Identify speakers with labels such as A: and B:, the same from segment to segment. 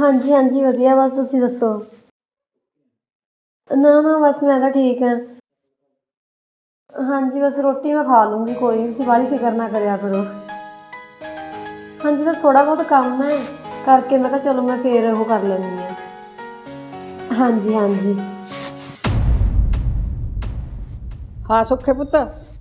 A: ਹਾਂਜੀ ਹਾਂਜੀ ਵਧੀਆ, ਬਸ ਤੁਸੀਂ ਦੱਸੋ। ਨਾ ਨਾ ਬਸ ਮੈਂ ਤਾਂ ਠੀਕ ਹਾਂ। ਹਾਂਜੀ ਬਸ ਰੋਟੀ ਮੈਂ ਖਾ ਲੂੰਗੀ, ਕੋਈ ਨਹੀਂ, ਤੁਸੀਂ ਬਾਹਲੀ ਫਿਕਰ ਨਾ ਕਰਿਆ ਕਰੋ। ਹਾਂਜੀ ਬਸ ਥੋੜ੍ਹਾ ਬਹੁਤ ਕੰਮ ਹੈ ਕਰਕੇ, ਮੈਂ ਕਿਹਾ ਚਲੋ ਮੈਂ ਫੇਰ ਉਹ ਕਰ ਲੈਂਦੀ ਹਾਂ। ਹਾਂਜੀ ਹਾਂਜੀ।
B: ਹਾਂ ਸੁੱਖੇ ਪੁੱਤ,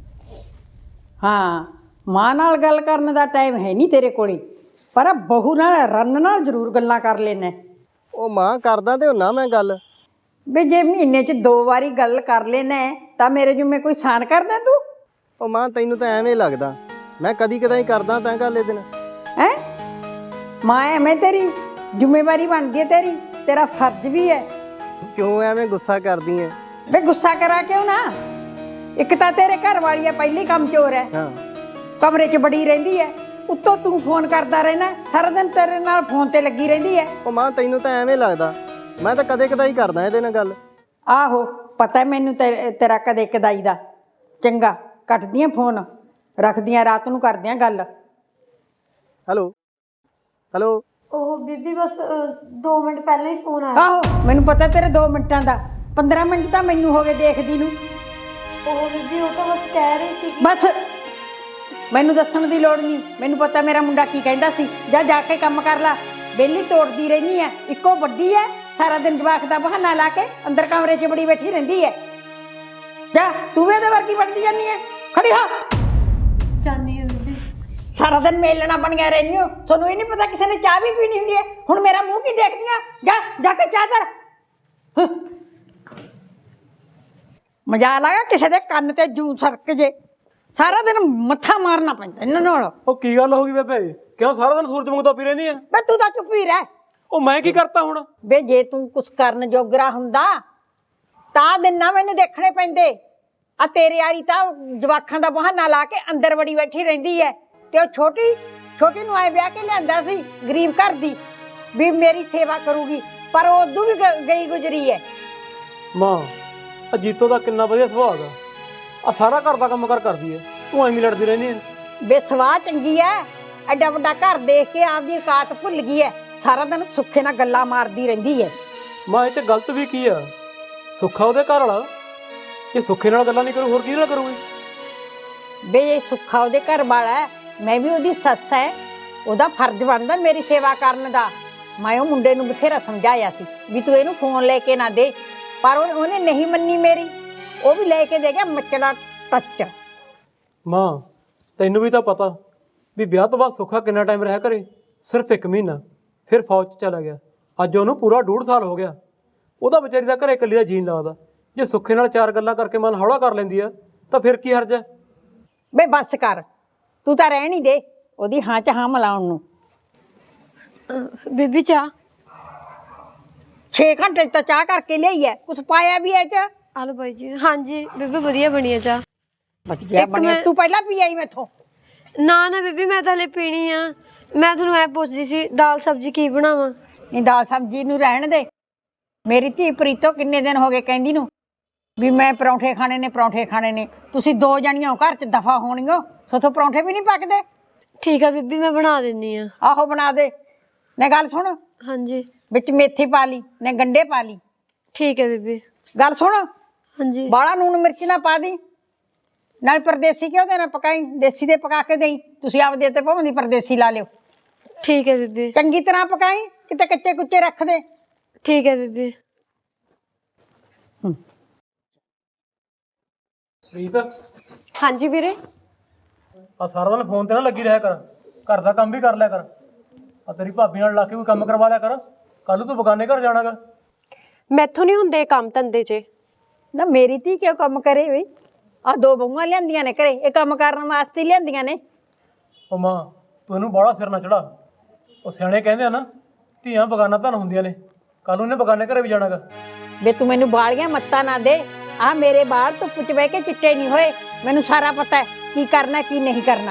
B: ਹਾਂ ਮਾਂ ਨਾਲ ਗੱਲ ਕਰਨ ਦਾ ਟਾਈਮ ਹੈ ਨਹੀਂ ਤੇਰੇ ਕੋਲੇ, ਪਰ ਬਹੂ ਨਾਲ ਰੰਨ ਨਾਲ ਜ਼ਰੂਰ ਗੱਲਾਂ ਕਰ ਲੈਣਾ।
C: ਉਹ ਮਾਂ ਕਰਦਾ ਤੇ ਹੁੰਨਾ ਮੈਂ ਗੱਲ।
B: ਵੀ ਜੇ ਮਹੀਨੇ 'ਚ 2 ਵਾਰੀ ਗੱਲ ਕਰ ਲੈਣਾ ਤਾਂ ਮੇਰੇ ਜਿਵੇਂ ਕੋਈ ਸਾਨ ਕਰਦਾ ਤੂੰ?
C: ਉਹ ਮਾਂ ਤੈਨੂੰ ਤਾਂ ਐਵੇਂ ਲੱਗਦਾ, ਮੈਂ ਕਦੀ ਕਦਾਈ ਕਰਦਾ ਤਾਂ ਗੱਲ ਇਹ ਦਿਨ।
B: ਹੈਂ ਮਾਂ ਐਵੇਂ ਤੇਰੀ ਜ਼ਿੰਮੇਵਾਰੀ ਬਣਦੀ ਹੈ, ਤੇਰਾ ਫਰਜ਼ ਵੀ ਹੈ।
C: ਕਿਉਂ ਐਵੇਂ ਗੁੱਸਾ ਕਰਦੀ ਐ?
B: ਵੇ ਗੁੱਸਾ ਕਰਾਂ ਕਿਉਂ ਨਾ, ਇੱਕ ਤਾਂ ਤੇਰੇ ਘਰ ਵਾਲੀ ਹੈ ਪਹਿਲੀ ਕੰਮ ਚੋਰ ਹੈ,
C: ਹਾਂ
B: ਕਮਰੇ 'ਚ ਬੜੀ ਰਹਿੰਦੀ ਹੈ, ਉੱਤੋਂ ਤੂੰ ਫੋਨ ਕਰਦਾ ਰਹਿਣਾ ਸਾਰਾ ਦਿਨ, ਤੇਰੇ ਨਾਲ ਫੋਨ ਤੇ ਲੱਗੀ ਰਹਿੰਦੀ ਹੈ।
C: ਉਹ ਮਾਂ ਤੈਨੂੰ ਤਾਂ ਐਵੇਂ ਲੱਗਦਾ, ਮੈਂ ਤਾਂ ਕਦੇ ਕਦਾਈ ਕਰਦਾ ਇਹਦੇ ਨਾਲ ਗੱਲ।
B: ਆਹੋ ਪਤਾ ਮੈਨੂੰ ਤੇਰਾ ਕਦੇ ਕਦਾਈ ਦਾ। ਚੰਗਾ ਕੱਟਦੀਆਂ ਫੋਨ, ਰੱਖਦੀਆਂ, ਰਾਤ ਨੂੰ ਕਰਦਿਆਂ ਗੱਲ।
C: Hello hello.
A: ਉਹ ਬੀਬੀ ਬਸ 2 ਮਿੰਟ ਪਹਿਲਾਂ ਹੀ ਫੋਨ ਆਇਆ।
B: ਆਹੋ ਮੈਨੂੰ ਪਤਾ ਤੇਰੇ 2 ਮਿੰਟਾਂ ਦਾ, 15 ਮਿੰਟ ਤਾਂ ਮੈਨੂੰ ਹੋ ਗਏ ਦੇਖਦੀ ਨੂੰ।
A: ਉਹ ਬੀਬੀ ਉਹ ਤਾਂ ਬਸ ਕਹਿ ਰਹੀ ਸੀ।
B: ਬਸ ਮੈਨੂੰ ਦੱਸਣ ਦੀ ਲੋੜ ਨਹੀਂ, ਮੈਨੂੰ ਪਤਾ ਮੇਰਾ ਮੁੰਡਾ ਕੀ ਕਹਿੰਦਾ ਸੀ। ਜਾ ਕੇ ਕੰਮ ਕਰ ਲੈ, ਵਿਹਲੀ ਤੋੜਦੀ ਰਹਿੰਦੀ ਹੈ, ਇੱਕੋ ਵੱਡੀ ਹੈ, ਸਾਰਾ ਦਿਨ ਜਵਾਕ ਦਾ ਬਹਾਨਾ ਲਾ ਕੇ ਅੰਦਰ ਕਮਰੇ 'ਚ ਬੜੀ ਬੈਠੀ ਰਹਿੰਦੀ ਹੈ। ਜਾ ਤੂੰ ਵੀ ਇਹਦੇ ਵਰਗੀ ਬਣਦੀ ਜਾਂਦੀ ਹੈ, ਖੜੀ ਹੋ।
A: ਚਾਹਨੀ ਹੈ ਬੀਬੀ।
B: ਸਾਰਾ ਦਿਨ ਮੇਲਣਾ ਬਣਿਆ ਰਹਿੰਦੀ ਹੋ, ਤੁਹਾਨੂੰ ਇਹ ਨਹੀਂ ਪਤਾ ਕਿਸੇ ਨੇ ਚਾਹ ਵੀ ਪੀਣੀ ਹੁੰਦੀ ਹੈ। ਹੁਣ ਮੇਰਾ ਮੂੰਹ ਕੀ ਦੇਖਦੀਆਂ, ਜਾ ਕੇ ਚਾਹ ਧਰ। ਮਜ਼ਾਕ ਲਾਇਆ ਕਿਸੇ ਦੇ ਕੰਨ ਤੇ ਜੂ ਸਰਕ ਜੇ, ਸਾਰਾ ਦਿਨ ਮੱਥਾ ਮਾਰਨਾ ਪੈਂਦਾ ਇਹਨਾਂ ਨਾਲ।
D: ਉਹ ਕੀ ਗੱਲ ਹੋ ਗਈ ਬੇਬੇ, ਕਿਉਂ ਸਾਰਾ ਦਿਨ ਸੂਰਜ ਵਾਂਗੂ ਪੀ ਰਹਿੰਦੀ ਆ?
B: ਬੇ ਤੂੰ ਤਾਂ ਚੁੱਪ ਹੀ ਰਹਿ।
D: ਉਹ ਮੈਂ ਕੀ ਕਰਤਾ ਹੁਣ?
B: ਬੇ ਜੇ ਤੂੰ ਕੁਛ ਕਰਨ ਜੋਗਰਾ ਹੁੰਦਾ ਤਾਂ ਦਿਨ ਨਾ ਮੈਨੂੰ ਦੇਖਣੇ ਪੈਂਦੇ। ਆ ਤੇਰੇ ਵਾਲੀ ਤਾਂ ਜਵਾਖਾਂ ਦਾ ਬਹਾਨਾ ਲਾ ਕੇ ਅੰਦਰ ਬੜੀ ਬੈਠੀ ਰਹਿੰਦੀ ਹੈ, ਤੇ ਉਹ ਛੋਟੀ ਨੂੰ ਆਏ ਵਿਆਹ ਕੇ ਲਿਆਂਦਾ ਸੀ ਗਰੀਬ ਘਰ ਦੀ, ਵੀ ਮੇਰੀ ਸੇਵਾ ਕਰੂਗੀ, ਪਰ ਉਹ ਉਦੋਂ ਵੀ ਗਈ ਗੁਜਰੀ ਹੈ।
D: ਮਾਂ ਅਜੀਤੋ ਦਾ ਕਿੰਨਾ ਵਧੀਆ ਸੁਭਾਅ ਦਾ, ਆ ਸਾਰਾ ਘਰ ਦਾ ਕੰਮ ਕਰਦੀ ਹੈ, ਤੂੰ ਐਵੇਂ ਲੜਦੀ ਰਹਿੰਦੀ ਹੈ।
B: ਬੇਸਵਾਹ ਚੰਗੀ ਐ, ਐਡਾ ਵੱਡਾ ਘਰ ਦੇਖ ਕੇ ਆਪਦੀ ਔਕਾਤ ਭੁੱਲ ਗਈ ਐ, ਸਾਰਾ ਦਿਨ ਸੁੱਖੇ ਨਾਲ ਗੱਲਾਂ ਮਾਰਦੀ ਰਹਿੰਦੀ ਐ।
D: ਮਾਂ ਇਹ 'ਚ ਗਲਤ ਵੀ ਕੀ ਆ? ਸੁੱਖਾ ਉਹਦੇ ਘਰ ਵਾਲਾ, ਇਹ ਸੁੱਖੇ ਨਾਲ ਗੱਲਾਂ ਨਹੀਂ ਕਰੂ ਹੋਰ ਕਿਹਦੇ ਨਾਲ ਕਰੂਗੀ?
B: ਬੇ ਇਹ ਸੁੱਖਾ ਉਹਦੇ ਘਰ ਵਾਲਾ, ਮੈਂ ਵੀ ਉਹਦੀ ਸੱਸ ਐ, ਉਹਦਾ ਫਰਜ਼ ਬਣਦਾ ਮੇਰੀ ਸੇਵਾ ਕਰਨ ਦਾ। ਮੈਂ ਉਹ ਮੁੰਡੇ ਨੂੰ ਬਥੇਰਾ ਸਮਝਾਇਆ ਸੀ ਵੀ ਤੂੰ ਇਹਨੂੰ ਫੋਨ ਲੈ ਕੇ ਨਾ ਦੇ, ਪਰ ਉਹਨੇ ਨਹੀਂ ਮੰਨੀ ਮੇਰੀ, ਉਹ ਵੀ ਲੈ ਕੇ ਦੇ ਗਿਆ ਮੱਚੜਾ ਟੱਚ।
D: ਮਾਂ ਤੈਨੂੰ ਵੀ ਤਾਂ ਪਤਾ ਵੀ ਵਿਆਹ ਤੋਂ ਬਾਅਦ ਸੁੱਖਾ ਕਿੰਨਾ ਟਾਈਮ ਰਿਹਾ ਘਰੇ? ਸਿਰਫ 1 ਮਹੀਨਾ, ਫਿਰ ਫੌਜ 'ਚ ਚਲਾ ਗਿਆ। ਅੱਜ ਉਹਨੂੰ ਪੂਰਾ 1.5 ਸਾਲ ਹੋ ਗਿਆ। ਉਹਦਾ ਵਿਚਾਰੀ ਦਾ ਘਰੇ ਇਕੱਲੀ ਦਾ ਜੀਣ ਲੱਗਦਾ। ਜੇ ਸੁੱਖੇ ਨਾਲ 4 ਗੱਲਾਂ ਕਰਕੇ ਮਨ ਹੌਲਾ ਕਰ ਲੈਂਦੀ ਆ ਤਾਂ ਫਿਰ ਕੀ ਹਰਜ ਹੈ?
B: ਬੇ ਬੱਸ ਕਰ, ਤੂੰ ਤਾਂ ਰਹਿਣ ਹੀ ਦੇ ਉਹਦੀ ਹਾਂ 'ਚ ਹਾਂ ਮਿਲਾਉਣ ਨੂੰ।
A: ਬੀਬੀ ਚਾਹ
B: 6 ਘੰਟੇ ਤਾਂ ਚਾਹ ਕਰਕੇ ਲਿਆਈ ਐ, ਕੁਛ ਪਾਇਆ ਵੀ ਐ ਚ?
A: ਆਲੋ ਬਾਈ ਜੀ। ਹਾਂਜੀ ਬੀਬੀ ਵਧੀਆ ਬਣੀ ਹੈ ਚਾਹ।
B: ਵਧੀਆ ਬਣਿਆ, ਤੂੰ ਪਹਿਲਾਂ ਪੀ ਆਈ ਮੈਥੋਂ।
A: ਨਾ ਨਾ ਬੀਬੀ ਮੈਂ ਤਾਂ ਹਲੇ ਪੀਣੀ ਆ। ਮੈਂ ਤੁਹਾਨੂੰ ਐ ਪੁੱਛਦੀ ਸੀ ਦਾਲ ਸਬਜ਼ੀ ਕੀ ਬਣਾਵਾਂ?
B: ਨਹੀਂ ਦਾਲ ਸਬਜ਼ੀ ਨੂੰ ਰਹਿਣ ਦੇ। ਮੇਰੀ ਧੀ ਪ੍ਰੀਤੋ ਕਿੰਨੇ ਦਿਨ ਹੋ ਗਏ ਕਹਿੰਦੀ ਨੂੰ ਵੀ ਮੈਂ ਪਰੌਂਠੇ ਖਾਣੇ ਨੇ, ਪਰੌਂਠੇ ਖਾਣੇ ਨੇ। ਤੁਸੀਂ 2 ਜਣੀਆਂ ਘਰ 'ਚ ਦਫਾ ਹੋਣੀਓ, ਸੋਥੋਂ ਪਰੌਂਠੇ ਵੀ ਨਹੀਂ ਪੱਕਦੇ।
A: ਠੀਕ ਆ ਬੀਬੀ ਮੈਂ ਬਣਾ ਦਿੰਦੀ ਆ।
B: ਆਹੋ ਬਣਾ ਦੇ। ਨੇ ਗੱਲ ਸੁਣ,
A: ਹਾਂਜੀ
B: ਵਿੱਚ ਮੇਥੀ ਪਾ ਲਈ, ਨੇ ਗੰਢੇ ਪਾ ਲਈ।
A: ਠੀਕ ਹੈ ਬੀਬੀ।
B: ਗੱਲ ਸੁਣ,
A: ਹਾਂਜੀ
B: ਬਾਹਲਾ ਲੂਣ ਮਿਰਚ ਨਾ ਪਾ ਦੀ, ਨਾਲ ਪਰਦੇਸੀ ਘਿਓ ਦੇ ਨਾ ਪਕਾਈ, ਦੇਸੀ ਦੇ ਪਕਾ ਕੇ ਦੇਈ। ਤੁਸੀਂ ਆਪਦੇ ਤੇ ਭਾਵੇਂ ਦੀ ਪਰਦੇਸੀ ਲਾ ਲਿਓ।
A: ਠੀਕ ਹੈ ਬੀਬੀ।
B: ਚੰਗੀ ਤਰ੍ਹਾਂ ਪਕਾਈ, ਕਿਤੇ ਕੱਚੇ ਕੁੱਚੇ ਰੱਖ ਦੇ।
A: ਠੀਕ ਹੈ ਬੀਬੀ।
D: ਪ੍ਰੀਤ
A: ਹਾਂਜੀ ਵੀਰੇ।
D: ਆ ਸਾਰਾ ਦਿਨ ਫੋਨ ਤੇ ਨਾ ਲੱਗੀ ਰਿਹਾ ਕਰ, ਘਰ ਦਾ ਕੰਮ ਵੀ ਕਰ ਲਿਆ ਕਰ। ਆ ਤੇਰੀ ਭਾਬੀ ਨਾਲ ਲਾ ਕੇ ਕੋਈ ਕੰਮ ਕਰਵਾ ਲਿਆ ਕਰ, ਕੱਲ ਨੂੰ ਤੂੰ ਬਗਾਨੇ ਘਰ ਜਾਣਾਗਾ।
A: ਮੈਥੋਂ ਨਹੀਂ ਹੁੰਦੇ ਕੰਮ ਧੰਦੇ 'ਚ।
B: ਨਾ ਮੇਰੀ ਧੀ ਕਿਉਂ ਕੰਮ ਕਰੇ ਬਈ? ਆ 2 ਬਹੂਆਂ ਲਿਆਂਦੀਆਂ ਨੇ ਘਰੇ, ਇਹ ਕੰਮ ਕਰਨ ਵਾਸਤੇ ਲਿਆਂਦੀਆਂ ਨੇ।
D: ਉਹ ਮਾਂ ਤੂੰ ਇਹਨੂੰ ਬਾਹਲਾ ਸਿਰ ਨਾ ਚੜਾ। ਉਹ ਸਿਆਣੇ ਕਹਿੰਦੇ ਆ ਨਾ, ਧੀਆਂ ਬਗਾਨਾ ਧਨ ਹੁੰਦੀਆਂ ਨੇ, ਕੱਲ ਨੂੰ ਇਹਨੇ ਬਗਾਨੇ ਘਰੇ ਵੀ ਜਾਣਾਗਾ।
B: ਵੇ ਤੂੰ ਮੈਨੂੰ ਬਾਲੀਆਂ ਮੱਤਾਂ ਨਾ ਦੇ। ਆ ਮੇਰੇ ਬਾਲ ਧੁੱਪ 'ਚ ਬਹਿ ਕੇ ਚਿੱਟੇ ਨਹੀਂ ਹੋਏ, ਮੈਨੂੰ ਸਾਰਾ ਪਤਾ ਹੈ ਕੀ ਕਰਨਾ ਕੀ ਨਹੀਂ ਕਰਨਾ।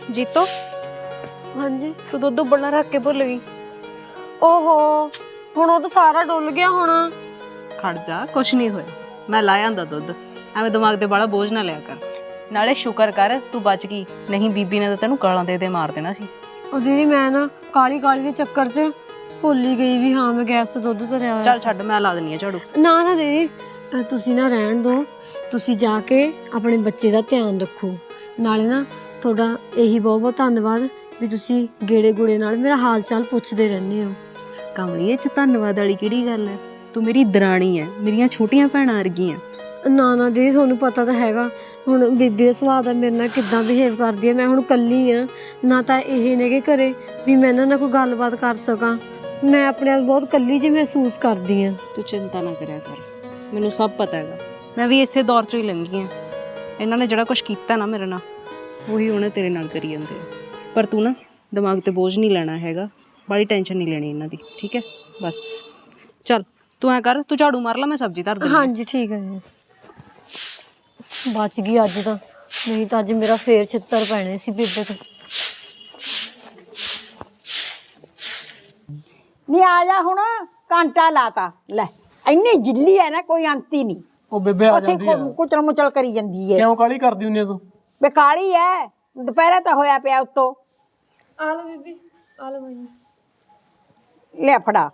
E: ਜੀਤੋ
A: ਹਾਂਜੀ।
E: ਤੂੰ ਦੁੱਧ ਉਬਲਣਾ ਰੱਖ ਕੇ ਭੁੱਲ ਗਈ।
A: ਓਹੋ, ਹੁਣ ਉਹ ਤਾਂ ਸਾਰਾ ਡੁੱਲ ਗਿਆ ਹੋਣਾ।
E: ਖੜ ਜਾ, ਕੁਛ ਨਹੀਂ ਹੋਇਆ, ਮੈਂ ਲਾਇਆ ਆਂਦਾ ਦੁੱਧ। ਐਵੇਂ ਦਿਮਾਗ ਤੇ ਬੜਾ ਬੋਝ ਨਾ ਲਿਆ ਕਰ। ਨਾਲੇ ਸ਼ੁਕਰ ਕਰ ਤੂੰ ਬਚ ਗਈ, ਨਹੀਂ ਬੀਬੀ ਨੇ ਤਾਂ ਤੈਨੂੰ ਗਾਲਾਂ ਦੇ ਮਾਰ ਦੇਣਾ ਸੀ।
A: ਉਹ ਦੀਦੀ ਮੈਂ ਨਾ ਕਾਲੀ ਦੇ ਚੱਕਰ 'ਚ ਭੁੱਲ ਹੀ ਗਈ ਵੀ ਹਾਂ ਮੈਂ ਗੈਸ ਤੇ ਦੁੱਧ ਧਰਿਆ ਹੋਇਆ।
E: ਚੱਲ ਛੱਡ, ਮੈਂ ਲਾ ਦਿੰਨੀ ਆ ਝਾੜੂ।
A: ਨਾ ਦੀਦੀ, ਤੁਸੀਂ ਨਾ ਰਹਿਣ ਦਿਓ। ਤੁਸੀਂ ਜਾ ਕੇ ਆਪਣੇ ਬੱਚੇ ਦਾ ਧਿਆਨ ਰੱਖੋ। ਨਾਲੇ ਨਾ ਤੁਹਾਡਾ ਇਹੀ ਬਹੁਤ ਬਹੁਤ ਧੰਨਵਾਦ ਵੀ ਤੁਸੀਂ ਗੇੜੇ ਗੂੜੇ ਨਾਲ ਮੇਰਾ ਹਾਲ ਚਾਲ ਪੁੱਛਦੇ ਰਹਿੰਦੇ ਹੋ।
E: ਕਮਲੀਏ ਚ ਧੰਨਵਾਦ ਵਾਲੀ ਕਿਹੜੀ ਗੱਲ ਹੈ? ਤੂੰ ਮੇਰੀ ਦਰਾਣੀ ਹੈ, ਮੇਰੀਆਂ ਛੋਟੀਆਂ ਭੈਣਾਂ ਵਰਗੀਆਂ।
A: ਨਾ ਦੀਦੀ, ਤੁਹਾਨੂੰ ਪਤਾ ਤਾਂ ਹੈਗਾ ਹੁਣ ਬੀਬੀ ਦਾ ਸੁਭਾਅ ਦਾ ਮੇਰੇ ਨਾਲ ਕਿੱਦਾਂ ਬਿਹੇਵ ਕਰਦੀ ਹੈ। ਮੈਂ ਹੁਣ ਇਕੱਲੀ ਆ, ਨਾ ਤਾਂ ਇਹ ਨੇਗੇ ਘਰੇ ਵੀ ਮੈਂ ਇਹਨਾਂ ਨਾਲ ਕੋਈ ਗੱਲਬਾਤ ਕਰ ਸਕਾਂ। ਮੈਂ ਆਪਣੇ ਆਪ ਬਹੁਤ ਇਕੱਲੀ ਜਿਹੀ ਮਹਿਸੂਸ ਕਰਦੀ ਹਾਂ।
E: ਤੂੰ ਚਿੰਤਾ ਨਾ ਕਰਿਆ ਕਰ, ਮੈਨੂੰ ਸਭ ਪਤਾ ਹੈਗਾ। ਮੈਂ ਵੀ ਇਸੇ ਦੌਰ ਚੋਂ ਹੀ ਲੰਘੀ ਆ। ਇਹਨਾਂ ਨੇ ਜਿਹੜਾ ਕੁਝ ਕੀਤਾ ਨਾ ਮੇਰੇ ਨਾਲ, ਉਹੀ ਉਹਨੇ ਤੇਰੇ ਨਾਲ ਕਰੀ ਜਾਂਦੇ ਆ। ਪਰ ਤੂੰ ਨਾ ਦਿਮਾਗ ਤੇ ਬੋਝ ਨਹੀਂ ਲੈਣਾ ਹੈਗਾ, ਬੜੀ ਟੈਨਸ਼ਨ ਨਹੀਂ ਲੈਣੀ ਇਹਨਾਂ ਦੀ, ਠੀਕ ਹੈ? ਬਸ ਚੱਲ ਤੂੰ ਐ ਕਰ, ਤੂੰ ਝਾੜੂ ਮਾਰ ਲੈ, ਮੈਂ ਸਬਜ਼ੀ ਧਰ ਦਿੰਦੀ।
A: ਹਾਂਜੀ ਠੀਕ ਹੈ ਜੀ। ਬਚ ਗਈ ਅੱਜ ਤਾਂ, ਨਹੀਂ ਤਾਂ ਅੱਜ ਮੇਰਾ ਫੇਰ ਛਿੱਤਰ ਪੈਣੇ ਸੀ ਬੇਬੇ ਤੋਂ।
B: ਨਹੀਂ ਆ ਜਾ ਹੁਣ, ਘੰਟਾ ਲਾਤਾ ਲੈ। ਇੰਨੀ ਜਿੱਲੀ ਹੈ ਨਾ, ਕੋਈ ਅੰਤ ਹੀ ਨਹੀਂ।
D: ਉਹ ਬੇਬੇ ਆ
B: ਉੱਥੇ
D: ਜਾਂਦੀ ਆ।
B: ਕੁਚਲ ਮੁਚਲ ਕਰੀ ਜਾਂਦੀ ਹੈ।
D: ਕਿਉਂ ਕਾਲੀ ਕਰਦੀ ਹੁੰਨੀ ਆ ਤੂੰ?
B: ਵੇ ਕਾਲੀ ਐ, ਦੁਪਹਿਰੇ ਤਾਂ ਹੋਇਆ ਪਿਆ ਉੱਤੋਂ।
A: ਆ ਲਓ ਬੀਬੀ, ਆ ਲਓ ਮੈਨੂੰ।
B: ਲੈ ਫੜਾ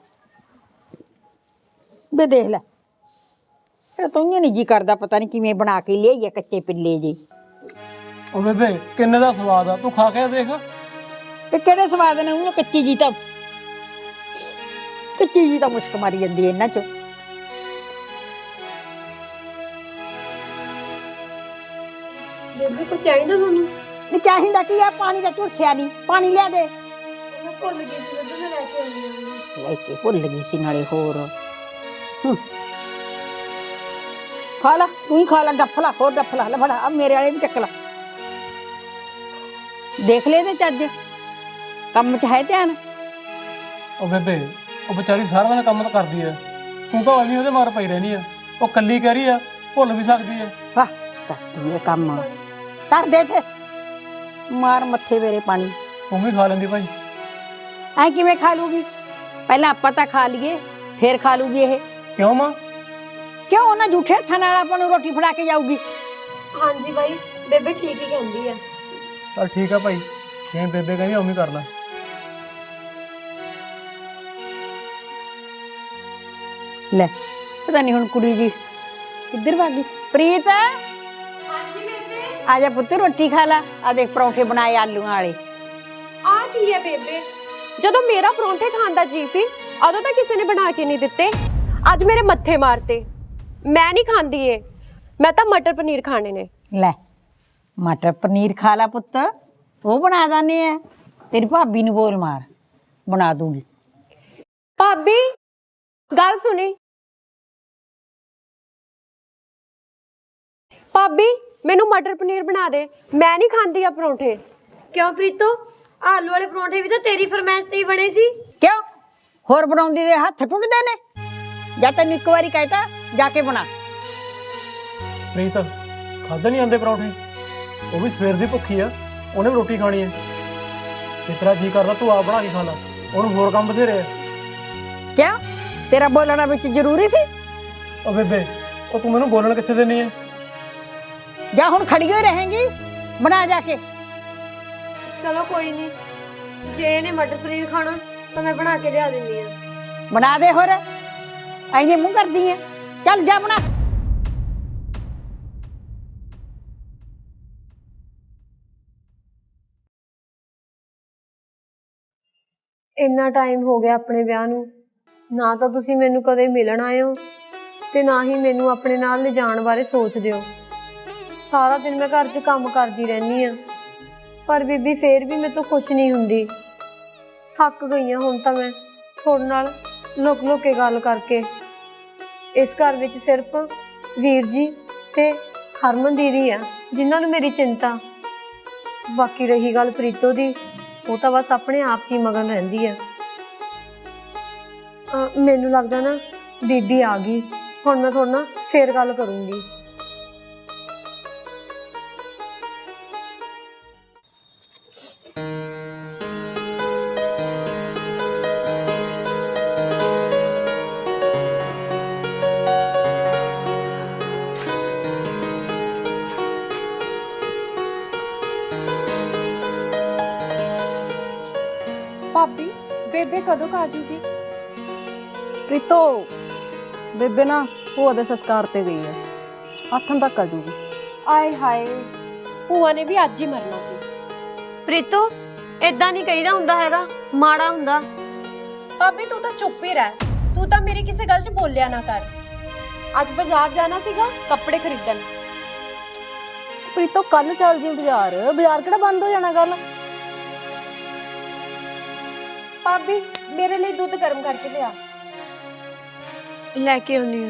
B: ਵੇ, ਦੇਖ ਲੈ। ਇਹ ਤਾਂ ਨਹੀਂ ਜੀ ਕਰਦਾ, ਪਤਾ ਨਹੀਂ ਕਿਵੇਂ ਬਣਾ ਕੇ ਲਿਆਈਏ ਕੱਚੇ ਪਿੱਲੇ ਜੇ।
D: ਉਹ ਬੇਬੇ ਕਿੰਨੇ ਦਾ ਸਵਾਦ ਆ, ਤੂੰ ਖਾ ਕੇ ਦੇਖ।
B: ਤੇ ਕਿਹੜੇ ਸਵਾਦ ਨੇ? ਉਹ ਕੱਚੀ ਜੀ ਤਾਂ ਮੁਸ਼ਕ ਮਾਰੀ ਜਾਂਦੀ ਹੈ ਇਹਨਾਂ ਚੋਂ।
A: ਬੇਬੇ ਕੋ ਚਾਹੀਦਾ ਤੁਹਾਨੂੰ?
B: ਨਹੀਂ ਚਾਹੀਦਾ ਕੀ ਆ, ਪਾਣੀ ਦਾ ਝੁਰਸਿਆ ਨਹੀਂ, ਪਾਣੀ ਲਿਆ ਦੇ।
A: ਮੈਂ ਭੁੱਲ ਗਈ ਸੀ, ਦੁੱਧ ਮੈਂ ਲੈ ਕੇ ਆਉਂਦੀ ਹਾਂ।
B: ਲੈ ਕੇ ਭੁੱਲ ਗਈ ਸੀ ਨਾਲੇ ਹੋਰ। ਖਾ ਲਾ, ਤੂੰ ਹੀ ਖਾ ਲਾ, ਡੱਫ ਲਾ, ਹੋਰ ਡੱਫ ਲਾ। ਲੈ ਫੜਾ, ਆ ਮੇਰੇ ਵਾਲੇ ਵੀ ਚੱਕ ਲਾ। ਦੇਖ ਲੈ ਇਹਦੇ ਚੱਜ, ਕੰਮ 'ਚ ਹੈ ਧਿਆਨ।
D: ਉਹ ਬੇਬੇ ਉਹ ਵਿਚਾਰੀ ਸਾਰਾ ਦਿਨ ਕੰਮ ਤਾਂ ਕਰਦੀ ਐ, ਤੂੰ ਤਾਂ ਐਵੇਂ ਉਹਦੇ ਮਾਰ ਪਈ ਰਹਿਣੀ ਆ। ਉਹ ਕੱਲੀ ਕਹਿ ਰਹੀ ਆ, ਭੁੱਲ ਵੀ ਸਕਦੀ ਐ।
B: ਵਾਹ, ਕਰਦੀ ਹੈ ਕੰਮ। ਕਰ ਦੇ ਤੇ ਮਾਰ ਮੱਥੇ ਮੇਰੇ ਪਾਣੀ।
D: ਤੂੰ ਵੀ ਖਾ ਲੈਂਦੀ ਭਾਈ।
B: ਐ ਕਿਵੇਂ ਖਾ ਲੂਗੀ? ਪਹਿਲਾਂ ਆਪਾਂ ਤਾਂ ਖਾ ਲਈਏ, ਫੇਰ ਖਾ ਲੂਗੀ ਇਹ।
D: ਕਿਉਂ ਮਾਂ?
B: ਕਿਉਂ? ਉਹਨਾਂ ਝੂਠੇ ਹੱਥਾਂ ਨਾਲ ਆਪਾਂ ਨੂੰ ਰੋਟੀ ਫੜਾ ਕੇ ਜਾਊਗੀ।
A: ਹਾਂਜੀ ਬਾਈ, ਬੇਬੇ ਠੀਕ ਹੀ ਕਹਿੰਦੀ ਆ।
D: ਚੱਲ ਠੀਕ ਆ ਭਾਈ, ਜਿਵੇਂ ਬੇਬੇ ਕਹਿੰਦੀ ਉਵੇਂ ਕਰ ਲੈ।
B: ਲੈ ਪਤਾ ਨਹੀਂ ਹੁਣ ਕੁੜੀ ਜੀ ਕਿੱਧਰ ਭਾਗੀ। ਪ੍ਰੀਤ,
A: ਹਾਂਜੀ ਬੇਬੇ।
B: ਆ ਜਾ ਪੁੱਤ, ਰੋਟੀ ਖਾ ਲਾ। ਆ ਦੇਖ ਪਰੌਂਠੇ ਬਣਾਏ ਆਲੂਆਂ ਵਾਲੇ।
E: ਆ ਕੀ ਹੈ ਬੇਬੇ? ਜਦੋਂ ਮੇਰਾ ਪਰੌਂਠੇ ਖਾਣ ਦਾ ਜੀ ਸੀ, ਉਦੋਂ ਤਾਂ ਕਿਸੇ ਨੇ ਬਣਾ ਕੇ ਨਹੀਂ ਦਿੱਤੇ। ਅੱਜ ਮੇਰੇ ਮੱਥੇ ਮਾਰਤੇ। ਮੈਂ ਨਹੀਂ ਖਾਂਦੀ ਏ, ਮੈਂ ਤਾਂ ਮਟਰ ਪਨੀਰ ਖਾਣੇ ਨੇ।
B: ਲੈ ਮਟਰ ਪਨੀਰ ਖਾ ਲਾ ਪੁੱਤ, ਉਹ ਬਣਾ ਦਾਨੇ ਆ। ਤੇਰੀ ਭਾਬੀ ਨੂੰ ਬੋਲ ਮਾਰ, ਬਣਾ ਦੂੰਗੀ।
E: ਭਾਬੀ ਗੱਲ ਸੁਣੀ। ਭਾਬੀ ਮੈਨੂੰ ਮਟਰ ਪਨੀਰ ਬਣਾ ਦੇ, ਮੈਂ ਨਹੀਂ ਖਾਂਦੀ ਆ ਪਰੌਂਠੇ।
A: ਕਿਉਂ ਪ੍ਰੀਤੋ, ਆਲੂ ਵਾਲੇ ਪਰੌਂਠੇ ਵੀ ਤਾਂ ਤੇਰੀ ਫਰਮਾਇਸ਼ ਤੇ ਹੀ ਬਣੇ ਸੀ।
B: ਕਿਉਂ? ਹੋਰ ਬਣਾਉਂਦੀ ਦੇ ਹੱਥ ਟੁੱਟਦੇ ਨੇ? ਜਾਂ ਤੈਨੂੰ ਇੱਕ ਵਾਰੀ ਕਹਿਤਾ ਜਾ ਕੇ ਬਣਾ।
D: ਪ੍ਰੀਤ ਖਾਦੇ ਨਹੀਂ ਆਂਦੇ ਪਰੌਂਠੇ, ਉਹ ਵੀ ਸਵੇਰ ਦੀ ਭੁੱਖੀ ਆ, ਉਹਨੇ ਵੀ ਰੋਟੀ ਖਾਣੀ ਐ। ਜਿਸ ਤਰ੍ਹਾਂ ਜੀ ਕਰਦਾ ਤੂੰ ਆਪ ਬਣਾ ਕੇ ਖਾ ਲਾ, ਉਹਨੂੰ ਹੋਰ ਕੰਮ ਬਥੇਰੇ ਆ।
B: ਕਿਉਂ? ਤੇਰਾ ਬੋਲਣਾ ਵਿੱਚ ਜ਼ਰੂਰੀ ਸੀ?
D: ਉਹ ਬੇਬੇ ਉਹ ਤੂੰ ਮੈਨੂੰ ਬੋਲਣ ਕਿੱਥੇ ਦੇਣੀ ਐ?
B: ਜਾਂ ਹੁਣ ਖੜੀ ਹੋਈ ਰਹੇਂਗੀ? ਬਣਾ ਜਾ ਕੇ।
A: ਚਲੋ ਕੋਈ ਨਹੀਂ, ਜੇ ਇਹਨੇ ਮਟਰ ਪਨੀਰ ਖਾਣਾ ਤਾਂ ਮੈਂ ਬਣਾ ਕੇ ਲਿਆ ਦਿੰਦੀ ਆ।
B: ਬਣਾ ਦੇ, ਹੋਰ ਐਂ ਮੂੰਹ ਕਰਦੀ ਐ। ਚੱਲ ਜਾ ਬਣਾ।
A: ਇੰਨਾ ਟਾਈਮ ਹੋ ਗਿਆ ਆਪਣੇ ਵਿਆਹ ਨੂੰ, ਨਾ ਤਾਂ ਤੁਸੀਂ ਮੈਨੂੰ ਕਦੇ ਮਿਲਣ ਆਏ ਹੋ ਤੇ ਨਾ ਹੀ ਮੈਨੂੰ ਆਪਣੇ ਨਾਲ ਲਿਜਾਣ ਬਾਰੇ ਸੋਚਦੇ ਹੋ। ਸਾਰਾ ਦਿਨ ਮੈਂ ਘਰ 'ਚ ਕੰਮ ਕਰਦੀ ਰਹਿੰਦੀ ਆ, ਪਰ ਬੀਬੀ ਫੇਰ ਵੀ ਮੇਰੇ ਤੋਂ ਖੁਸ਼ ਨਹੀਂ ਹੁੰਦੀ। ਥੱਕ ਗਈ ਹਾਂ ਹੁਣ ਤਾਂ ਮੈਂ ਤੁਹਾਡੇ ਨਾਲ ਲੁਕ ਲੁਕ ਕੇ ਗੱਲ ਕਰਕੇ। ਇਸ ਘਰ ਵਿੱਚ ਸਿਰਫ ਵੀਰ ਜੀ ਤੇ ਹਰਮਨ ਦੀਦੀ ਆ ਜਿਨ੍ਹਾਂ ਨੂੰ ਮੇਰੀ ਚਿੰਤਾ। ਬਾਕੀ ਰਹੀ ਗੱਲ ਪ੍ਰੀਤੋ ਦੀ, ਉਹ ਤਾਂ ਬਸ ਆਪਣੇ ਆਪ 'ਚ ਹੀ ਮਗਨ ਰਹਿੰਦੀ ਆ। ਮੈਨੂੰ ਲੱਗਦਾ ਨਾ ਬੀਬੀ ਆ ਗਈ, ਹੁਣ ਮੈਂ ਤੁਹਾਡੇ ਨਾਲ ਫੇਰ ਗੱਲ ਕਰੂੰਗੀ।
F: ਭਾਬੀ ਬੇਬੇ ਕਦੋਂ ਕੁ ਆ ਜੂਗੀ?
E: ਪ੍ਰੀਤੋ ਬੇਬੇ ਨਾ ਭੂਆ ਦੇ ਸੰਸਕਾਰ ਤੇ ਗਈ ਹੈ, ਆਥਣ ਤੱਕ ਆ ਜੂਗੀ।
F: ਆਏ ਹਾਏ, ਭੂਆ ਨੇ ਵੀ ਅੱਜ ਹੀ ਮਰਨਾ ਸੀ।
A: ਪ੍ਰੀਤੋ ਇਦਾਂ ਨਹੀਂ ਕਹੀਦਾ ਹੁੰਦਾ ਹੈਗਾ, ਮਾੜਾ ਹੁੰਦਾ।
F: ਭਾਬੀ ਤੂੰ ਤਾਂ ਚੁੱਪ ਹੀ ਰਹਿ, ਤੂੰ ਤਾਂ ਮੇਰੀ ਕਿਸੇ ਗੱਲ 'ਚ ਬੋਲਿਆ ਨਾ ਕਰ। ਅੱਜ ਬਾਜ਼ਾਰ ਜਾਣਾ ਸੀਗਾ ਕੱਪੜੇ ਖਰੀਦਣ।
E: ਪ੍ਰੀਤੋ ਕੱਲ ਚੱਲ ਜੀ ਬਾਜ਼ਾਰ, ਬਾਜ਼ਾਰ ਕਿਹੜਾ ਬੰਦ ਹੋ ਜਾਣਾ ਕੱਲ?
F: ਭਾਬੀ ਮੇਰੇ ਲਈ ਦੁੱਧ ਗਰਮ ਕਰਕੇ ਲਿਆ।
A: ਲੈ ਕੇ ਆਉਣੀ ਆ।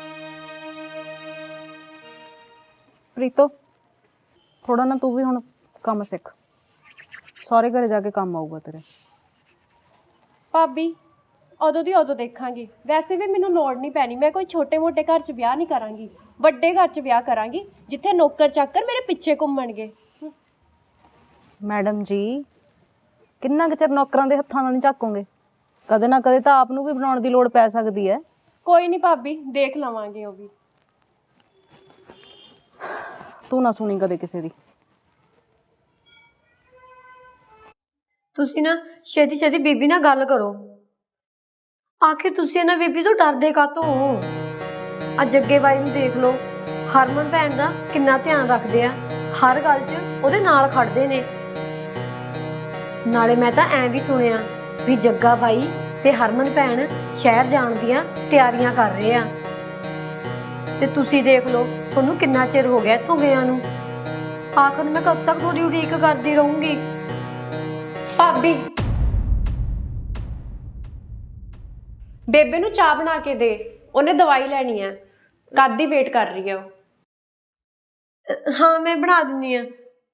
E: ਪ੍ਰੀਤੋ ਥੋੜਾ ਨਾ ਤੂੰ ਵੀ ਹੁਣ ਕੰਮ ਸਿੱਖ, ਸਾਰੇ ਘਰੇ ਜਾ ਕੇ ਕੰਮ ਆਊਗਾ ਤੇਰੇ।
F: ਭਾਬੀ ਉਦੋਂ ਦੀ ਉਦੋਂ ਦੇਖਾਂਗੀ, ਵੈਸੇ ਵੀ ਮੈਨੂੰ ਲੋੜ ਨਹੀਂ ਪੈਣੀ। ਮੈਂ ਕੋਈ ਛੋਟੇ-ਮੋਟੇ ਘਰ 'ਚ ਵਿਆਹ ਨਹੀਂ ਕਰਾਂਗੀ, ਵੱਡੇ ਘਰ 'ਚ ਵਿਆਹ ਕਰਾਂਗੀ ਜਿੱਥੇ ਨੌਕਰ ਚਾਕਰ ਮੇਰੇ ਪਿੱਛੇ ਘੁੰਮਣਗੇ।
E: ਮੈਡਮ ਜੀ ਕਿੰਨਾ ਕੁ ਚਿਰ ਨੌਕਰਾਂ ਦੇ ਹੱਥਾਂ ਨਾਲ ਨਹੀਂ ਝਾਕੋਗੇ? ਕਦੇ ਨਾ ਕਦੇ ਤਾਂ ਆਪ ਨੂੰ ਵੀ ਬਣਾਉਣ ਦੀ ਲੋੜ ਪੈ ਸਕਦੀ ਹੈ।
F: ਕੋਈ ਨਹੀਂ ਭਾਬੀ, ਦੇਖ ਲਵਾਂਗੇ ਉਹ ਵੀ।
E: ਤੂੰ ਨਾ ਸੁਣੀ ਕਦੇ ਕਿਸੇ ਦੀ।
A: ਤੁਸੀਂ ਨਾ ਛੇਤੀ ਛੇਤੀ ਬੀਬੀ ਨਾਲ ਗੱਲ ਕਰੋ। ਆਖਿਰ ਤੁਸੀਂ ਇਹਨਾਂ ਬੀਬੀ ਤੋਂ ਡਰਦੇ ਕਾਹਤੋਂ ਹੋ? ਆ ਜੱਗੇ ਬਾਈ ਨੂੰ ਦੇਖ ਲਓ, ਹਰਮਨ ਭੈਣ ਦਾ ਕਿੰਨਾ ਧਿਆਨ ਰੱਖਦੇ ਆ, ਹਰ ਗੱਲ 'ਚ ਉਹਦੇ ਨਾਲ ਖੜਦੇ ਨੇ। ਨਾਲੇ ਮੈਂ ਤਾਂ ਐਂ ਵੀ ਸੁਣਿਆ ਵੀ ਜੱਗਾ ਬਾਈ ਤੇ ਹਰਮਨ ਭੈਣ ਸ਼ਹਿਰ ਜਾਣ ਦੀਆਂ ਤਿਆਰੀਆਂ ਕਰ ਰਹੇ ਆ। ਤੇ ਤੁਸੀਂ ਦੇਖ ਲਓ ਤੁਹਾਨੂੰ ਕਿੰਨਾ ਚਿਰ ਹੋ ਗਿਆ ਇੱਥੋਂ ਗਿਆ ਨੂੰ। ਆਖਰ ਮੈਂ ਕਦ ਤੱਕ ਤੁਹਾਡੀ ਉਡੀਕ ਕਰਦੀ ਰਹੂੰਗੀ?
F: ਭਾਬੀ ਬੇਬੇ ਨੂੰ ਚਾਹ ਬਣਾ ਕੇ ਦੇ, ਉਹਨੇ ਦਵਾਈ ਲੈਣੀ ਹੈ, ਕਦ ਦੀ ਵੇਟ ਕਰ ਰਹੀ ਹੈ ਉਹ।
A: ਹਾਂ ਮੈਂ ਬਣਾ ਦਿੰਨੀ ਆ।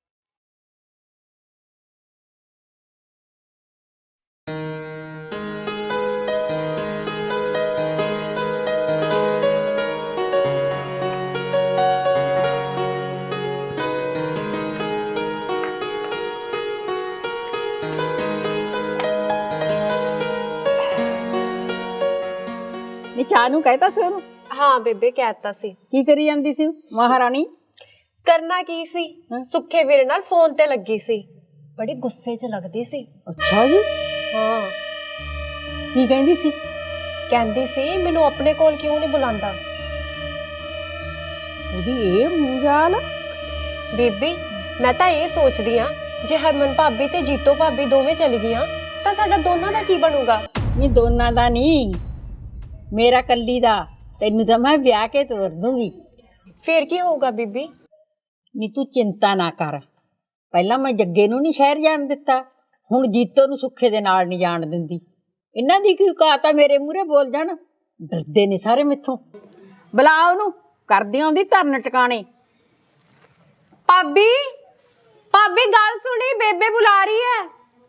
B: ਨੀ ਚਾਹ ਨੂੰ ਕਹਿਤਾ ਸੀ ਉਹਨੂੰ?
F: ਹਾਂ ਬੇਬੇ ਕਹਿਤਾ ਸੀ।
B: ਕੀ ਕਰੀ ਜਾਂਦੀ ਸੀ ਮਹਾਰਾਣੀ?
F: ਕਰਨਾ ਕੀ ਸੀ, ਸੁੱਖੇ ਵੀਰੇ ਨਾਲ ਫੋਨ ਤੇ ਲੱਗੀ ਸੀ, ਬੜੀ ਗੁੱਸੇ 'ਚ ਲੱਗਦੀ ਸੀ।
B: ਅੱਛਾ ਜੀ,
F: ਹਾਂ
B: ਕੀ ਕਹਿੰਦੀ ਸੀ?
F: ਕਹਿੰਦੀ ਸੀ ਮੈਨੂੰ ਆਪਣੇ ਕੋਲ ਕਿਉਂ ਨਹੀਂ ਬੁਲਾਉਂਦਾ।
B: ਉਹਦੀ ਇਹ ਮੂੰਹ
F: ਬੀਬੀ ਮੈਂ ਤਾਂ ਇਹ ਸੋਚਦੀ ਆ ਜੇ ਹਰਮਨ ਭਾਬੀ ਤੇ ਜੀਤੋ ਭਾਬੀ ਦੋਵੇਂ ਚਲੀ ਗਈਆਂ ਤਾਂ ਸਾਡਾ ਦੋਨਾਂ ਦਾ ਕੀ ਬਣੂਗਾ?
B: ਨਹੀਂ ਦੋਨਾਂ ਦਾ ਨਹੀਂ, ਮੇਰਾ ਕੱਲੀ ਦਾ। ਤੈਨੂੰ ਤਾਂ ਮੈਂ ਵਿਆਹ ਕੇ ਤੋਰ ਦੂੰਗੀ।
F: ਫੇਰ ਕੀ ਹੋਊਗਾ ਬੀਬੀ?
B: ਨੀ ਤੂੰ ਚਿੰਤਾ ਨਾ ਕਰ, ਪਹਿਲਾਂ ਮੈਂ ਜੱਗੇ ਨੂੰ ਨਹੀਂ ਸ਼ਹਿਰ ਜਾਣ ਦਿੱਤਾ, ਹੁਣ ਜੀਤੋ ਨੂੰ ਸੁੱਖੇ ਦੇ ਨਾਲ ਨਹੀਂ ਜਾਣ ਦਿੰਦੀ। ਇਹਨਾਂ ਦੀ ਕੀ ਔਕਾਤ ਆ ਮੇਰੇ ਮੂਹਰੇ ਬੋਲ ਜਾਣ? ਡਰਦੇ ਨੇ ਸਾਰੇ ਮੈਥੋਂ। ਬੁਲਾ ਉਹਨੂੰ, ਕਰਦੀ ਆਉਂਦੀ ਧਰਨ ਟਿਕਾਣੇ।
F: ਭਾਬੀ ਭਾਬੀ ਗੱਲ ਸੁਣੀ, ਬੇਬੇ ਬੁਲਾ ਰਹੀ ਹੈ।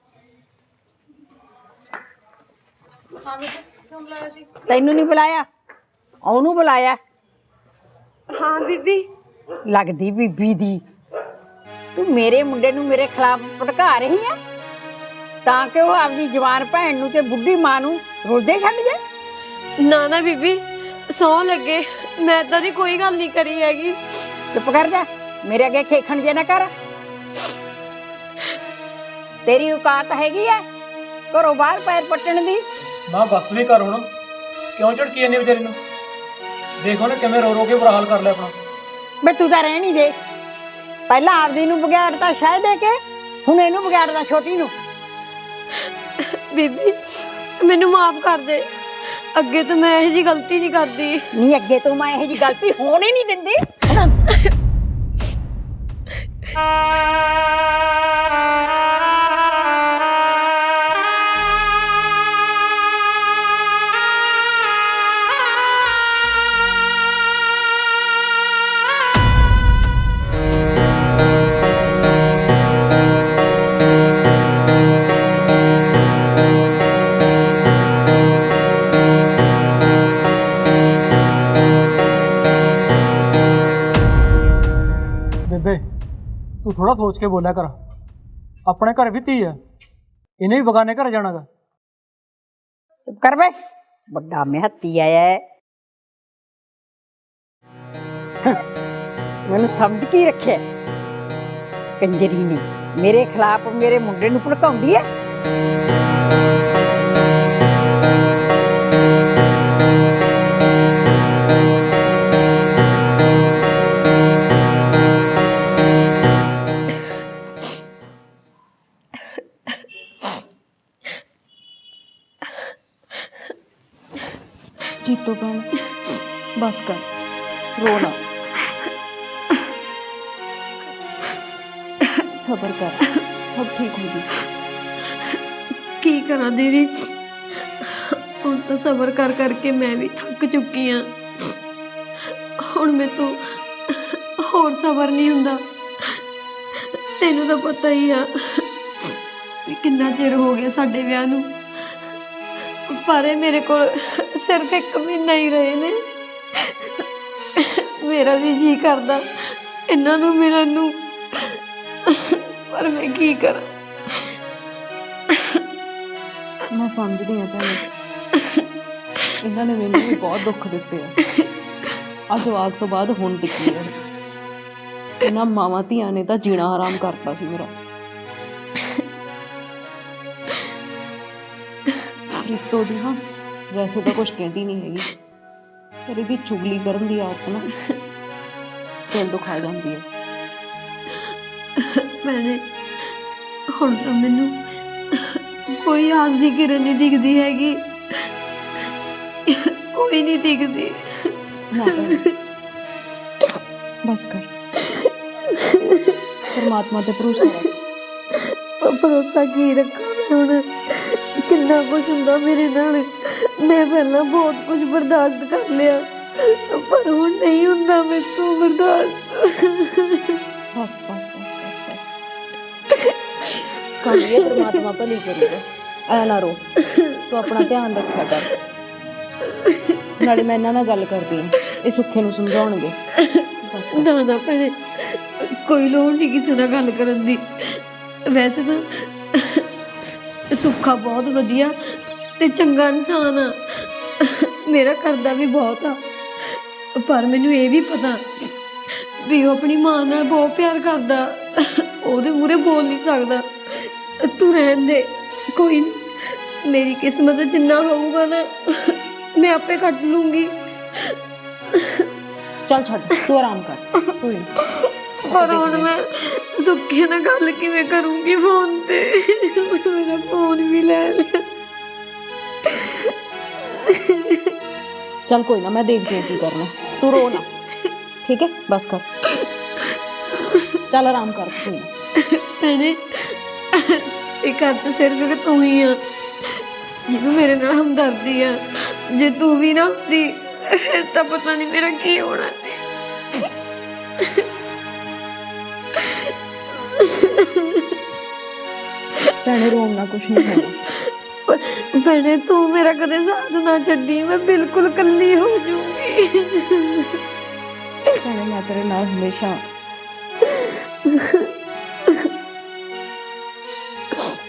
B: ਤੈਨੂੰ ਨਹੀਂ ਬੁਲਾਇਆ, ਉਹਨੂੰ ਬੁਲਾਇਆ।
A: ਹਾਂ ਬੀਬੀ।
B: ਲੱਗਦੀ ਬੀਬੀ ਦੀ। ਤੂੰ ਮੇਰੇ ਮੁੰਡੇ ਨੂੰ ਮੇਰੇ ਖਿਲਾਫ ਭੜਕਾ ਰਹੀ ਆ ਤਾਂ ਕਿ ਉਹ ਆਪਦੀ ਜਵਾਨ ਭੈਣ ਨੂੰ ਤੇ ਬੁੱਢੀ ਮਾਂ ਨੂੰ ਰੁਲਦੇ ਛੱਡ ਜਾਏ।
A: ਨਾ ਨਾ ਬੀਬੀ, ਸਹੁੰ ਲੱਗੇ ਮੈਂ ਤਾਂ ਦੀ ਕੋਈ ਗੱਲ ਨਹੀਂ ਕਰੀ ਹੈਗੀ।
B: ਚੁੱਪ ਕਰ ਜਾ, ਮੇਰੇ ਅੱਗੇ ਖੇਖਣ ਜੇ ਨਾ ਕਰ। ਤੇਰੀ ਔਕਾਤ ਹੈਗੀ ਆ ਘਰੋਂ ਬਾਹਰ ਪੈਰ ਪੱਟਣ ਦੀ?
D: ਮਾਂ ਬੱਸ ਵੀ ਕਰ ਹੁਣ, ਕਿਉਂ ਝੜਕੀ ਜਾਂਦੀ ਵਿਚਾਰੀ ਨੂੰ? ਦੇਖੋ ਨਾ ਕਿਵੇਂ ਰੋ ਰੋ ਕੇ ਬੁਰਾ ਹਾਲ ਕਰ ਲਿਆ ਆਪਣਾ।
B: ਬੇ ਤੂੰ ਤਾਂ ਰਹਿਣ ਹੀ ਦੇ, ਪਹਿਲਾਂ ਆਪਦੀ ਨੂੰ ਵਿਗਾੜਤਾ ਸ਼ਾਇਦ ਦੇ ਕੇ, ਹੁਣ ਇਹਨੂੰ ਵਿਗਾੜਦਾ ਛੋਟੀ ਨੂੰ।
A: ਬੀਬੀ ਮੈਨੂੰ ਮਾਫ ਕਰ ਦੇ, ਅੱਗੇ ਤੋਂ ਮੈਂ ਇਹੋ ਜਿਹੀ ਗਲਤੀ ਨਹੀਂ ਕਰਦੀ।
B: ਨਹੀਂ ਅੱਗੇ ਤੋਂ ਮੈਂ ਇਹੋ ਜਿਹੀ ਗਲਤੀ ਹੋਣ ਹੀ ਨਹੀਂ ਦਿੰਦੀ।
D: ਬੇਬੇ ਤੂੰ ਥੋੜਾ ਸੋਚ ਕੇ ਬੋਲਿਆ ਕਰ, ਆਪਣੇ ਘਰ ਵੀ ਧੀ ਆ, ਇਹਨੇ ਵੀ ਬਗਾਨੇ ਘਰ ਜਾਣਾਗਾ।
B: ਚੁੱਪ ਕਰ ਬੇ, ਵੱਡਾ ਮਿਹੱਤੀ ਆਇਆ ਹੈ। ਮੈਨੂੰ ਸਮਝ ਕੀ ਰੱਖਿਆ ਕੰਜਰੀ ਨੇ? ਮੇਰੇ ਖਿਲਾਫ ਮੇਰੇ ਮੁੰਡੇ ਨੂੰ ਭੜਕਾਉਂਦੀ ਹੈ।
E: ਤੋਂ ਭੈਣ ਬਸ ਕਰ, ਰੋ ਨਾ, ਸਬਰ ਕਰ, ਸਭ ਠੀਕ ਹੋ ਜੂ।
A: ਕੀ ਕਰਾਂ ਦੀਦੀ, ਹੁਣ ਤਾਂ ਸਬਰ ਕਰ ਕਰਕੇ ਮੈਂ ਵੀ ਥੱਕ ਚੁੱਕੀ ਆ। ਹੁਣ ਮੇਰੇ ਤੋਂ ਹੋਰ ਸਬਰ ਨਹੀਂ ਹੁੰਦਾ। ਤੈਨੂੰ ਤਾਂ ਪਤਾ ਹੀ ਆ ਵੀ ਕਿੰਨਾ ਚਿਰ ਹੋ ਗਿਆ ਸਾਡੇ ਵਿਆਹ ਨੂੰ, ਪਰ ਇਹ ਮੇਰੇ ਕੋਲ ਸਿਰਫ 1 ਮਹੀਨਾ ਹੀ ਰਹੇ ਨੇ। ਮੇਰਾ ਵੀ ਜੀ ਕਰਦਾ ਇਹਨਾਂ ਨੂੰ ਮਿਲਣ ਨੂੰ, ਪਰ ਮੈਂ ਕੀ ਕਰਾਂ।
E: ਮੈਂ ਸਮਝਦੀ ਹਾਂ ਭੈਣੇ, ਇਹਨਾਂ ਨੇ ਮੈਨੂੰ ਵੀ ਬਹੁਤ ਦੁੱਖ ਦਿੱਤੇ ਆ। ਆ ਜਵਾਕ ਤੋਂ ਬਾਅਦ ਹੁਣ ਟਿੱਕੀ ਹੈ। ਇਹਨਾਂ ਮਾਵਾਂ ਧੀਆਂ ਨੇ ਤਾਂ ਜੀਣਾ ਹਰਾਮ ਕਰਤਾ ਸੀ ਮੇਰਾ। ਰੀਤੋ ਦੀ ਹਾਂ ਵੈਸੇ ਤਾਂ ਕੁਝ ਕਹਿੰਦੀ ਨਹੀਂ ਹੈਗੀ, ਪਰ ਇਹਦੀ ਚੁਗਲੀ ਕਰਨ ਦੀ ਆਦਤ ਨਾ ਦਿਲ ਦੁਖਾ ਜਾਂਦੀ ਹੈ।
A: ਭੈਣੇ, ਹੁਣ ਤਾਂ ਮੈਨੂੰ ਕੋਈ ਆਸ ਦੀ ਕਿਰਨ ਨਹੀਂ ਦਿਖਦੀ ਹੈਗੀ, ਕੋਈ ਨਹੀਂ ਦਿਖਦੀ।
E: ਨਾ ਭੈਣੇ, ਬਸ ਕਰ, ਪਰਮਾਤਮਾ ਤੇ ਭਰੋਸਾ ਰੱਖ।
A: ਭਰੋਸਾ ਕੀ ਰੱਖਾਂ ਮੈਂ ਹੁਣ, ਕਿੰਨਾ ਕੁਝ ਹੁੰਦਾ ਮੇਰੇ ਨਾਲ। ਮੈਂ ਪਹਿਲਾਂ ਬਹੁਤ ਕੁਝ ਬਰਦਾਸ਼ਤ ਕਰ ਲਿਆ, ਪਰ ਹੁਣ ਨਹੀਂ ਹੁੰਦਾ ਮੇਰੇ ਤੋਂ ਬਰਦਾਸ਼ਤ।
E: ਬਸ ਬਸ ਬਸ ਬਸ ਬਸ ਕਰ ਲਿਆ, ਪਰਮਾਤਮਾ ਭਲੀ ਕਰੇਗਾ। ਐ ਨਾ ਰੋ, ਤੂੰ ਆਪਣਾ ਧਿਆਨ ਰੱਖਿਆ ਕਰ। ਨਾਲੇ ਮੈਂ ਇਹਨਾਂ ਨਾਲ ਗੱਲ ਕਰਦੀ ਹਾਂ, ਇਹ ਸੁੱਖੇ ਨੂੰ ਸਮਝਾਉਣਗੇ। ਬਸ ਕਰ।
A: ਨਾ ਨਾ ਭੈਣੇ, ਕੋਈ ਲੋੜ ਨਹੀਂ ਕਿਸੇ ਨਾਲ ਗੱਲ ਕਰਨ ਦੀ। ਵੈਸੇ ਤਾਂ ਸੁੱਖਾ ਬਹੁਤ ਵਧੀਆ ਤੇ ਚੰਗਾ ਇਨਸਾਨ ਆ, ਮੇਰਾ ਕਰਦਾ ਵੀ ਬਹੁਤ ਆ, ਪਰ ਮੈਨੂੰ ਇਹ ਵੀ ਪਤਾ ਵੀ ਉਹ ਆਪਣੀ ਮਾਂ ਨਾਲ ਬਹੁਤ ਪਿਆਰ ਕਰਦਾ, ਉਹਦੇ ਮੂਹਰੇ ਬੋਲ ਨਹੀਂ ਸਕਦਾ। ਤੂੰ ਰਹਿਣ ਦੇ, ਕੋਈ ਨੀ, ਮੇਰੀ ਕਿਸਮਤ ਜਿੰਨਾ ਹੋਊਗਾ ਨਾ ਮੈਂ ਆਪੇ ਕੱਟ ਲੂੰਗੀ।
E: ਚੱਲ ਛੱਡ, ਤੂੰ ਆਰਾਮ ਕਰ, ਕੋਈ ਨੀ।
A: ਪਰ ਹੁਣ ਮੈਂ ਸੁੱਖੇ ਨਾਲ ਗੱਲ ਕਿਵੇਂ ਕਰੂੰਗੀ ਫੋਨ ਤੇ? ਮੇਰਾ ਫੋਨ ਵੀ ਲੈ ਲਿਆ।
E: ਚੱਲ ਕੋਈ ਨਾ, ਮੈਂ ਦੇਖਦੀ ਹਾਂ ਕੀ ਕਰਨਾ, ਤੂੰ ਰੋ ਨਾ, ਠੀਕ ਹੈ? ਬਸ ਕਰ, ਚੱਲ ਆਰਾਮ ਕਰ, ਕੋਈ ਨਾ।
A: ਭੈਣੇ, ਇਹ ਘਰ 'ਚ ਸਿਰਫ ਇੱਕ ਤੂੰ ਹੀ ਆ ਜਿਹਨੂੰ ਮੇਰੇ ਨਾਲ ਹਮਦਰਦੀ ਆ। ਜੇ ਤੂੰ ਵੀ ਨਾ ਹੁੰਦੀ ਫਿਰ ਤਾਂ ਪਤਾ ਨਹੀਂ ਮੇਰਾ ਕੀ ਹੋਣਾ ਸੀ।
E: ਭੈਣੇ ਰੋਣ ਨਾਲ ਕੁਛ ਨਹੀਂ ਹੋਣਾ।
A: ਭੈਣੇ, ਤੂੰ ਮੇਰਾ ਕਦੇ ਸਾਥ ਨਾ ਛੱਡੀ, ਮੈਂ ਬਿਲਕੁਲ ਇਕੱਲੀ ਹੋ ਜਾਊਂਗੀ।
E: ਭੈਣੇ ਮੈਂ ਤੇਰੇ ਨਾਲ ਹਮੇਸ਼ਾ।